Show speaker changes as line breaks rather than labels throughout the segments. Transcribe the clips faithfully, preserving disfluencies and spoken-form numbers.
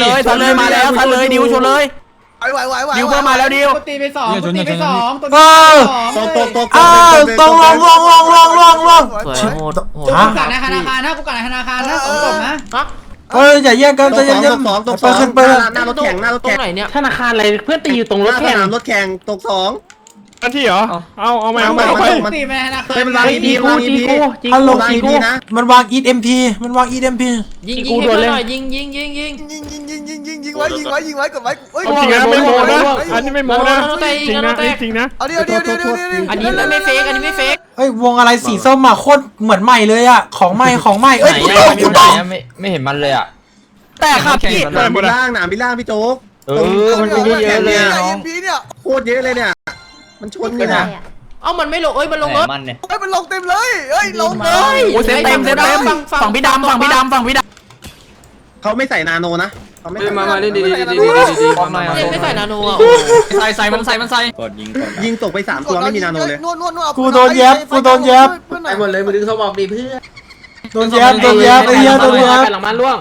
เลยทันเลยมาแล้วทันเลยดิวชนเลยไหวไหวไหวดิวเพิ่มมาแล้วดิว
ตีไปสองตีไปสองตัว
เออ
ตกตกตก
อ้าวตรงลงลงลงลงลงลง
สวยโหดโหด
กูกัดในธนาคารนะกูกัดในธนาคารนะสองศพนะ
เฮ้ยอย่าแย่งกัน
ต
จะ
ก
แย่ง
สองตกสองตกส
ไป
อง
ขึ้นไป
หน้ารถแข่งหน้ารถ
ตรง
แข่ง
ไหนเนี่ย
ธนาคารอะไรเพื่อนตีอยู่ตรงรถแข่ง
รถแข่งตกสอง
อันที่เหรอเอาเอาไปเอาไปเอาไป
ตีไปในธนาคาร
เป็นร้าน
จีกูจีกูจี
ฮัลโหล
กูจีกู
มันวางอีทเอ็มพีมันวางอีทเอ็มพี
ยิงยิงให้เพื่อนหน่อยยิงยิงยิงยิง
ยิงยิงยิงยิงยิงยิงไว้ยิงไว้ยิงไว้กดไว้เอ้ย
จริงนะไม่โมนะอันนี้ไม่โมนะจริงนะจริงนะ
เอาดิเอาดิเอาดิเอาดิ
อันนี้ไม่เฟกอันนี้ไม่เฟก
เฮ้ยวงอะไรสีส้มอ่ะโคตรเหมือนใหม่เลยอ่ะของใหม่ของใหม่เอ้ยกูตกกูตก
ไม่ไม่เห็นมันเลยอ่ะ
แต่ครับพี่
หนามบิล่างหนามบิล่างพี่โจ๊ก
เออมันเยอะเยอะเลย
ไอ้เอ็มพีเนี่ย
โคตรเยอะเลยเนี่ยมันชนกันนะ
เอ้ามันไม่ลงเอ้ยมันลงรถ
มันเนี่ย
เฮ้ยมันลงเต็มเลยเฮ้ยลงเลย
โอ้เซตเต็มเซตเต็มฝั่งพี่ดำฝั่งพี่ดำฝั่งพี่ดำ
เขาไม่ใส่นาโนนะเขาไม่ใส่
มามาเล่นดีดีดีดีดีดีมา
เล่นไม่ใส่นาโนอ่ะ
ใส่ใส่มันใส่มันใส่กดยิงกด
ยิงตกไปสามตัวไม่มีนาโนเลย
นวดนวดนวด
กูโดนแย็บกูโดนแย็บ
ไอ้หมดเลยมือดึงเขาบอกดีเพื่อน
โดนแย็บโดนแย็บไอ้เหี้ยโดนแย็บ
หลังมันล่วง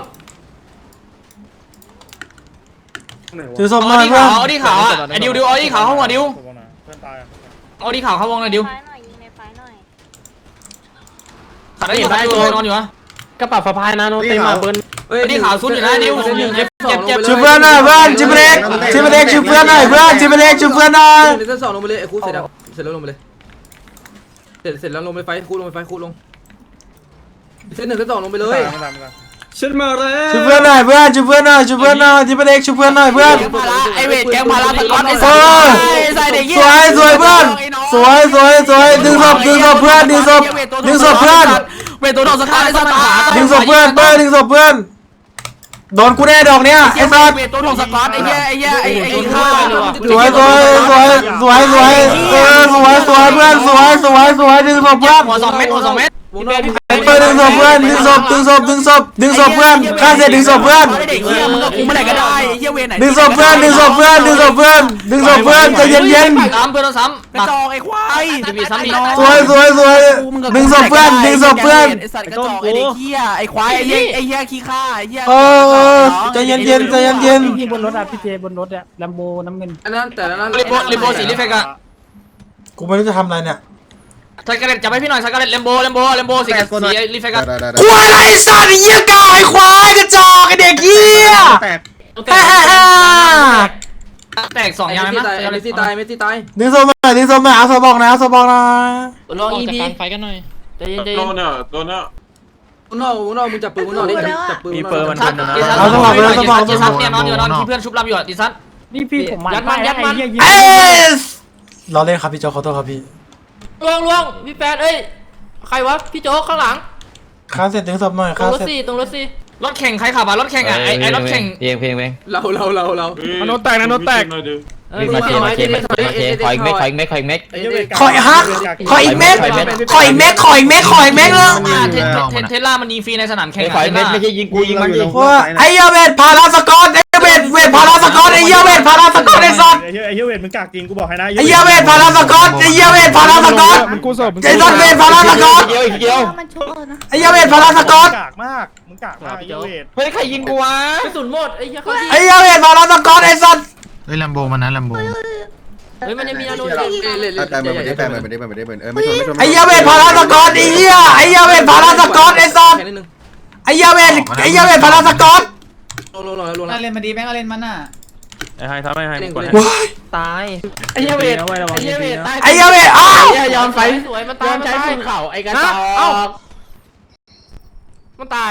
ถือศพ
เอา
มา
ดี
เพื่อ
ขาวน เอาดีขาวอ่ะไอ้ดิวดิวเอาดีขาวเข้าวงดิวเอาดีขาวเข้าวงเลยดิว
ไฟหน่อยยิงในไฟหน่อย
ขัดได้อยู่ได้ตัวนอนอยู่วะกระเป๋าสะพายนะโนเต็มมาเบิ้ลเฮ้ยดีขาวซุดอยู่นะดิวเจ็บเจ็บเจ็บ
ช่วยเพื่อนหน่อยเพื่อนชิบเล็กชิบเล็กช่วยเพื่อนหน่อยเพื่อนชิบเล็กช่วยเพื่อนหน่อย
เส้นสองลงไปเลยไอ้คูเสร็จแล้วเสร็จแล้วลงไปเลยเสร็จเสร็จแล้วลงไปไฟคูลงไปไฟคูลงเส้นหนึ่งเส้นสองลงไปเลย
ฉันมาแล้ว
ช่วยเพื่อนหน่อยเพื่อนช่วยเพื่อนหน่อยช่วยเพื่อนหน่อยชิบเล็กช่วยเพื่อนหน่อยเพื่อน
ไอเวทแกงพาราสกอตไอ
เอ
สั
อ
ใส่เด็ก
สวยสวยเพื่อนสวยสวยสวยดึงศพดึงศพเพื่อนดึงศพดึงศพเพื่อน
เวทตัวโดนสกัดไอสัตว์
ดึงศพเพื่อนเพื่อนดึงศพเพื่อนโดนกูแน่ดอกเนี้ยไอ้สัส
เวทตัวโดนสกัดไอ้เหี้ยไอ้เหี้ยไอ้ไอ้ข้า
สวยสวยสวยสวยสวยเออสวยสวยเพื่อนสวยสวยสวยดึงศพเพื่อน
หัวสองเม็ดหัวสองเม็ด
วงนอก
เพื่อนดึงศพเพื่อนดึงศพดึงศพดึงศพดึงศพเพื่อนข้าเสร็จดึงศพเพื่อน
เด็กเหี้ยมึงกับกูเมื่อไหร่ก็ได้ไอ้เหี้ยเวทไหน
ดึงศพเพื่อนดึงศพเพื่อนดึงศพเพื่อนดึงศพเพื่อนใจเย็นเย็น
ซ้ำเพื่อนซ้ำ
กระจอกไอ้ควาย
จะมีซ้ำอีก
สวยสวยสวยดึงศพเพื่อนดึงศพเพื่อน
ไอ้สัตว์กระจอกไอ้เด็กเหี้ยไอ้ควายไอ้เหี้ยไอ้เหี้ยขี้ข้าไอ้เหี้ย
เออเออใจเย็นเย็นใจเย็นเย็น
พี่บนรถอ่ะพี่เจบนรถอ่ะลัมโบน้ำเงิน
อันนั้นแต่ละนั้น
ลิโบลิโบสีลิเฟกอะ
กูไม่รู้จะทำอะไรเนี่ย
สกัดเล็ตจับให้พี่หน่อยสกัดเล็ตเลมโบเลมโบเลมโบสีสีลิเฟกอะ
ควายอะไรสัตว์ไอ้เหี้ยกาไอ้ควายกระจอกไอ้เด็กเหี้ย
แตก
ฮ่าฮ่าฮ่า
แตกสองยางไหม
ตายเมสซี่ตายเมสซี่ตาย
ดึงศพหน่อยดึงศพหน่อยเอาศพบอกนะเอาศพบอกนะ
ลองอีพี
ไฟกันหน่อย
ใจเย็นใจ
โด
เย็น
นเนี่ยโดนเนี่ย
วงนอกวงนอกมึงจับปืนวงนอกดิจับปืน
มีเปิร์มัน
ชัด
ดิซันดิซันเนี่ยนอนอยู่นอนที่เพื่อนชุบลำอยู่ดิซัน
นี่พี่ผมมัน
ยัดมันยัดมัน
เอสเราเล่นครับพี่โจขอโทษครับพี่
ล่วงล่วงพี่แปดเอ้ยใครวะพี่โจ๊กข้างหลัง
ข้าเสร็จดึงศพหน่อย
ตร
ข้าง
รถ
เสร็จ
สี่ตรงรถสี่
รถแข่งใครขับอ่ะรถแข่งอ่ะไอไอรถแข่ง
เพลงเพลงเพลง
เราเราเราเรา
นาโนแตกนาโนแตก
วิ่งมาเชมาเชมาเชขออีกเม็ดขออีกเม็ดขออีกเม็ด
ขออีกฮักขออีกเม็ดขออีกเม็ดขออีกเม็ดขออีกเม็ดเลย
เทสลามันยิงฟรีในสนามแข่ง
ขออีกเม็ดไม่ใช่ยิงกูยิงมันดิ
ว่าไอ้เหี้ยเวทพาราสกอตไอ้เวทเวทพาราสกอตไอ้เหี้ยเวทพาราสกอตไอ้สัตว์
ไอ้เหี้ยไอ้เหี้ยเวทมึงกากจริงกูบอกให้นะ
ไอ้เหี้ยเวทพาราสกอตไอ้เหี้ยเวทพาราสกอต
มึงกูสอบ
ไอ้สัตว์เวทพาราสกอต
เดียวอีกเดียว
มันชุบเออนะ
ไอ้เหี้ยเวทพาราสกอต
กากมากมึงกากมากไอ้เหี้ยเวท
เฮ้ยใครยิงกูวะ
กระสุนหมดไอ้เหี้ยเขา
ไอ้เหี้ยเวทพาราสกอตไอ้สัตว์
เฮ้ยลัมโบมันนะลัมโบ
เฮ้ยมันยังมีนาโน
เล่นเล่น
แต่มันไม่ได้แปลงมันไม่ได้มันไม่ได้เออไม่ชนไม่ชน
ไอ้เหี้ยเวทพาราสกอตไอ้เหี้ยไอ้เหี้ยเวทพาราสกอตไอ้สัตว์
แค่นิดนึง
ไอ้เหี้ยเวทไอ้เหี้ยเวทพาราสกอต
ลงลงลงลง
น่าเล่นมาดีแม่งเล่นมันอ่ะ
ไอ้ไฮทำไอ้ไฮ
ว้าย
ตายไอ้เหี้ยเวทไอ้เหี้ยเวทตาย
ไอ้เหี้ยเวทอ้าว
ไอ้ยอมไฟ
สวยมัน
ย
ตาย
อมใช้ภูเขาไอ้กระจอก
มันตาย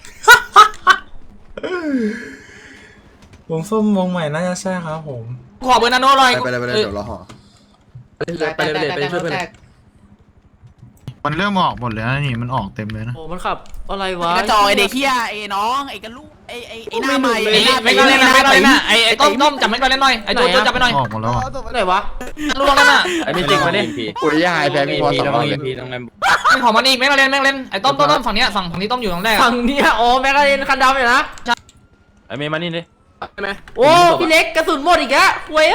วงส้มวงใหม่น่าจะใช่ครับผม
ขอเบอร์นาโนหน่อย
ไปเลยไปเลยเดี๋ยวรอห่อ
ไปเลยไปเลยไปช่วยเพื่อน
มันเริ่มออกหมดเลยนะนี่มันออกเต็มเลยนะ
โอ้มันขับอะไรวะ
กระจอกไอ้เด็กเหี้ยไอ้น้องไอ้กระลูกไอ้ไอ้ไอ้หน้าใหม่ไอ้ไม่ก็เล่นนะไม่ก็เล่นนะไอ้ไอ้ต้มต้มจับไม่ก็เล่นหน่อยไอ้ตัวตัวจับไปหน่อย
ออกหมดแล้วอ่ะ
ไหนวะ
ลูกนั่นน่ะ
ไอ้ไม่จริงมาดิปุริยาไอ้แพ้พี่พอสองเลย
ไม่ขอมันอีกไม่ก็เล่นไม่ก็เล่นไอ้ต้มต้มต้มฝั่งนี้ฝั่งฝั่งนี้ต้มอยู่ตรงแรก
ฝั่งเนี้ยโอ้แม็กกาเรนคันดำอยู่นะ
ไอ้เมย์มานี่ดิ
ใช่ไหม
โอ้พี่เล็กกระสุนหมดอีกแล้วเว้ย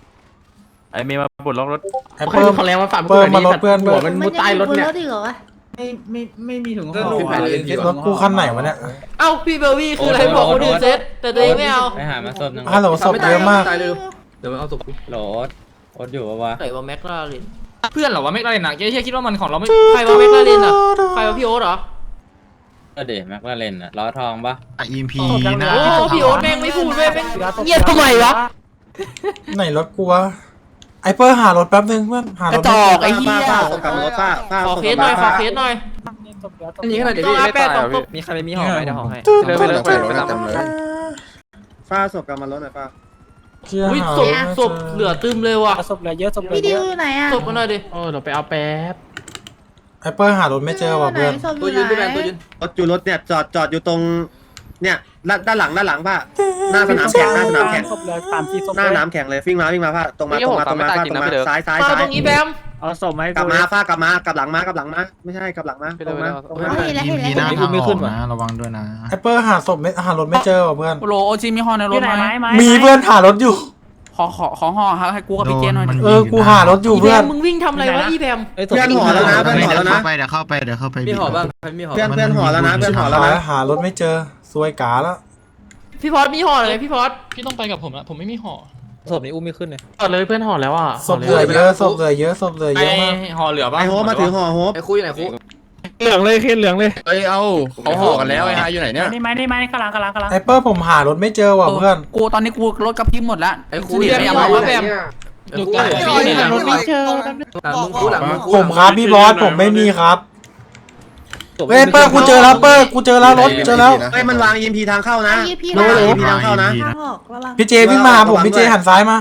ไอ้เมย์มาปลดล็อกรถ
ไอ้เพิ่ม
เขาแรงมาฝั่ง
เพิ่มมารถเพื่อนเพื่อน
มันมุดใต้รถเนี่ยมันยังมีบนรถอีกเหรอวะ
ไม่ไม่ไม่มีถุงห่
เรื่อง
อ
รูปแผนเอ็นพี
รถกูคันไหนวะเนี่ย
เอ้าพี่เบลวี่คืออะไรบอกคนอื่นเซตแต่ตัวเองไม่เอา
ไปหามาศพหนึ่ง
ฮัลโหลศพเยอะมาก
ตายเลยเดี๋ยวเอาศพกู
โหลดโอ๊ตอยู่ปะวะ
ใส่ว่าแม็กลาเรน
เพื่อนเหรอวะไม่ได้หนักเจ๊คิดว่ามันของเราไม่
ใครว่าแม็กลาเรนอ่ะใครว่าพี่โอ๊ตเหรอ
ก็เดแม็กลาเรนอะล้อทองปะ
อ่ะ อี เอ็ม พีนะ
โอ้พี่โอ๊ตแม่งไม่พูดเว้ยแม่งเงียบทำไมวะ
ไหนรถกูวะไอเปอร์หารถแป๊บนึงเพื่อนหารถ
กระจอกไอ้เหี้ย
ป้าส่งกลับรถป้าป้า
ขอเคสหน่อยขอเคสหน่อย
อันนี้ขนาดเดี๋ยว
ต้อง
พี่
รับ
ไม่
แปด
ตาย
สอง
อ่ะ
ศ
พี่
พ
มีใครไม่มีห่อไหมเดี๋ยวห่อให้
เดินไปเลยไปเลยเต็มเลยป้าส่งกลับมารถหน่อยป้า
เชี่ย
อุ้ย
หา
ศ
ร
พ
ถไม่
ศพเหลือตึมเลยว่ะ
ศพเหลือเยอะศพเหลือ
พี่ดิ
เยว อะ
อยู่ไหนอ่ะ
ศพมาหน่อยดิ
โอ้เดี๋ยวไปเอาแป๊บ
ไอเปอร์หารถไม่เจอว่ะเพื่อน
ตัวยืนพี่แบนตัวยืน
รถอยู่รถเนี่ยจอดจอดอยู่ตรงเนี่ยด้านด้านหลังด้านหลังป้าหน้าสนามแข่งหน้าสนามแข่ง
ศพเหลือสามสี่ศพ
หน้าสนามแข่งเลยวิ่งมาวิ่งมาป้าตรงมาตรงมาตรงมาป้าตรงมาซ้ายซ้าย
มา
ซ้า
ต
ย
รงนี้แบม
เอาศพมาให้
กลั
กู
บมาป้ากลับมากลับหลังมากลับหลังมาไม่ใช่กลับหลังมาตรงมาตรงมา
เห็นแล้ว
อี
เห็น
เอ็ม
แล้ว
พีหน้าทางออกนะระวังด้วยนะ
ไอเปอร์หาศพไม่หารถไม่เจอว่ะเพื่อน
โลโอจิมีห่อในรถไหม
มีเพื่อนหารถอยู่
ขอขอขอห่อครับให้กูกับพี่เจนหน่อย
โดนมัน
เออกูหารถอยู่
อีแบ
เพื่อน
มมึงวิ่งทำอะไรวะอีแบม
เพื่อนห่อแล้วนะเพื่อนห่อ
เดี๋ยว
แล้วนะ
เข้าไปเดี๋ยวเข้าไปเดี๋ยวเข้าไป
มีห่อบ้างใครมีห่อ
เพื่อนเพื่อนห่อแล้วนะเพื่อนห่อแล้ว
หา
นะ
หารถไม่เจอซวยกาแล้ว
พี่พอดมีห่อเลยพี่พอด
พี่ต้องไปกับผมละผมไม่มีห่อ
ศพนี้อุ้มไม่ขึ้นเลย
ต่อเลยเพื่อนห่อแล้วอ่ะ
ศพเหลือเยอะศพเหลือเยอะศพเหลือเยอะมาก
ห่อเหลือปะ
ไอโฮปมาถือห่อโฮป
ไอ้คุยไหนคุย
เหลืองเลยเคนเหลืองเลย
เอ้ยเอาเขาห่อกันแล้วไอ้ฮาอยู่ไหนเนี่ย
นี่ไหมนี่ไหมกำลังกำลังกำลัง
ไอเปอร์ผมหารถไม่เจอว่ะเพื่อน
กูตอนนี้กูรถกระพริบหมดแล้ว
ไอ้คุย
พี่แบมมีห่อว่าแบม
ไอ้คุยไอ้คุยเนี่ยหลังมึงคุยหลังมึงคุย
ผมครับพี่บอสผมไม่มีครับเฮ้ยเปอร์กูเจอแล้วเปอร์กูเจอแล้วรถเจอแล้ว
เฮ้ยมันวาง อี เอ็ม พี ทางเข้านะ
ยี่พี่
โน้ต อี เอ็ม พี ทางเข้านะ
ทางออกระวัง
พี่เจวิ่งมาหาผมพี่เจหันซ้ายมา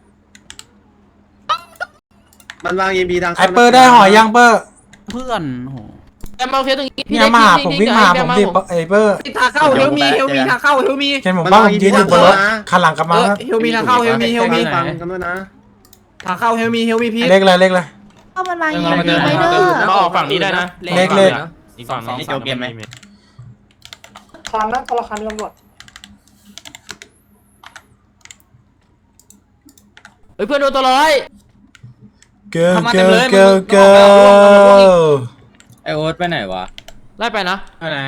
มันวาง อี เอ็ม พี ทาง
ไอ
เข้านะ
เปอร์ได้ห่อยังเปอร์
เพื่อนโห
แบมเอาเคสตรงนี้
เนี่ยมาหาผมวิ่งมาหาผมดิไอเปอร์
ทางเข้าเฮลมีเฮลมีทางเข้าเฮลมี
เห็นผมบ้างผมยืนอยู่บนรถคันหลังกลับมาแล้ว
เฮลมีทางเข้าเฮลมีเฮลมี
ฟังกันด้วยนะ
ทางเข้าเฮลมีเฮลมีพี
เลขอะไรเลขอะไร
เข้ามันมายิงยิงไปเด้อ
มาออกฝั่งนี้ได้นะ
เลขเลข
อีกฝั่งนี้โจเกมไหม
คันนะคนละคันตำรวจ
เฮ้ยเพื่อนโดนตัวร้อย
เกิร์เกิร์เกิร์เกิร์
ไอโอ๊ตไปไหนวะ
ไล่ไปนะ
ไปไหน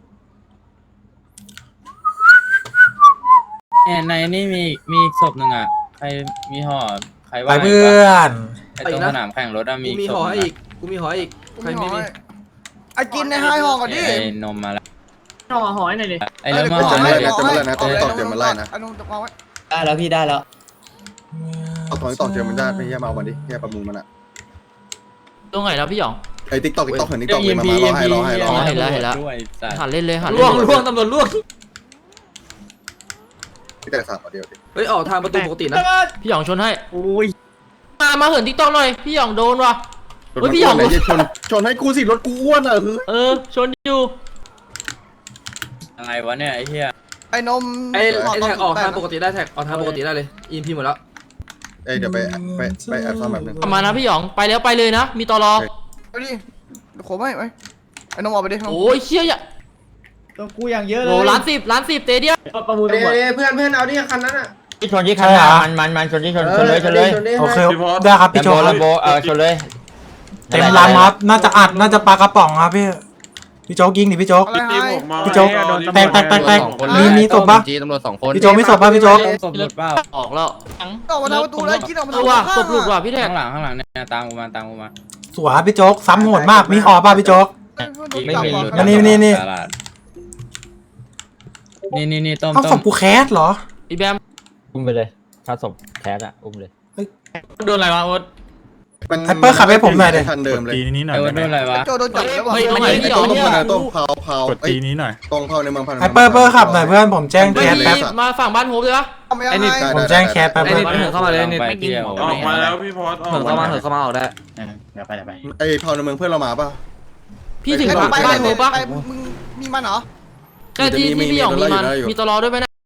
แอนในนี่มีมีศพหนึ่งอ่ะใครมีห่อใคร
ไป
ว่า
เพื่อน
ไอตรงสนามแข่งรถอะมี
กูมี
ศ
ห่อ
พ
ให้อีกกูมีห่อให้อีกใครไม่มี
ไอ้กินในไฮห่อก่อนดิ
ไอนมมาแล้ว
ห่อห่อให้หน่อยดิ
ไอเริ่มมาห่อ
จะ
เล
ไล่
ย
นะจะไล่นะตอนนี้ตอกเจอมันไล่นะ
ไอ้นุ่มวางไว้
ได้แล้วพี่ได้แล้ว
ตอนนี้ตอกเจอมันได้ไม่แย่มาเอามันดิแย่ประมูลมันอ่ะ
ตรงไหนแล้วพี่หยอง
ไอ้ติ๊กตอกติ๊กตอกเห็นติ๊กตอกเลยมามารอให้รอให้รอให้
เห็นแล้วเห็นแล้ว
ด้วยสัตว์
หันเล่นเลยหัน
ล่วงล่วงตำรวจล่วง
ที่แต่สามเดียวดิ
เฮ้ยออกทางประตูปกตินะ
พี่หยองชนให้
โอ้ย
มามาเหินติ๊กต็อกหน่อยพี่หยองโดนว่ะ เฮ้ยพี่หยอง
ชนชนให้กูสิรถกูอ้วนอ่ะคือ
เออชนอยู่
อะไรวะเนี่ยไอ้เหี้ย
ไอ้นม
ไอ้ไอ้แท็กออกทางปกติได้แท็กออกทางปกติได้เลยอีพีหมดแล้ว
เอ้ยเดี๋ยวไปไปไปแอบซ่อมแบบนึง
กลับมานะพี่หยองไปแล้วไปเลยนะ มีตอรอ
ไปดิโขไม่ไหมไอ้นมออกไปดิ
โอ้ยเชี่ยอย่า
ตัวกูอย่างเยอะเล
โห
ย
ล้านสิบล้านสิบเตเดียม
ประมูลตำรวจ
เพื่อนเพื่อนเอาดิคันนั้นอ่ะ
ชนที่คันมันมันมันชนที่ชนชนเลยชนเลย
โอเคได้ครับพี่โจครับ
โบเออชนเลย
เต็มลำครับน่าจะอัดน่าจะปลากระป๋องครับพี่พี่โจ๊กยิงดิพี่โจ๊ก
อะไรไฮ
พี่โจ๊กแตกแตกแตกแตกมีมีศพปะ
ตำรวจสองคน
พี่โจ๊กมีศพปะพี่โจ๊ก
ศพหลุดเปล่า
ออกแล้ว
ออกมาทางประตูเลยกินออกมา
เอ
ทาง
อว่ะศพหลุดว่ะพี่แท็ก
ข้างหลังข้างหลังเนี่ยตามกูมาตามกูมา
สวยพี่โจ๊กซ้ำโหดมากมีห่อป่ะพี่โจ๊ก
ไม่มีหลุด
นี่นี่นี่
ตลาดนี่นี่นี่ต้ม
เอา
ต้
ศ
ม
พกูแคสเหรอ
อีแบม
อุ้มไปเลยถ้าศพแคสอะอุ้มเลยโดนอะไรวะโอ๊ต
ไฮเปอร์ขับให้ผมหน่อยดิ
คันเดิมเลย
ตีนี้หน่อ
ไอ้
ย
โอ๊ตโดนอะไรวะ
โจโดนจับแล้วบอก
เฮ้ยมันยิงพี่หย
ต้
อ
อง ง
เนี่ย
ต้มต้องเผาเผาก
ดตีนี้หน่อย
ตรงเผาในเมืองพัน
ไฮเปอร์เปอร์ขับหน่อยเพื่อนผมแจ้ง
ไม่
แคส
มี
แป๊บ
มาฝั่งบ้านโฮปเลยปะ
ไอ้นี่
ผมแจ้งแคสแป๊บ
ไอ้
เพื่
นี่
อน
เหินเข้ามาเลยนี่
ไปเที่ยว
ออกมาแล้วพี่พอดออก
เหินเข้ามาเหินเข้ามาออกได้
ไอ้เผาในเมืองเพื่อนเรามาป่ะ
พี่ถึง
ไอ้
บ้าน
ไป
บ้านโฮปปะ
ไปมึงมีมันเหรอ
ใช่ที่ที่พี่หยองมีมันมีตอรอด้วยไหมนะ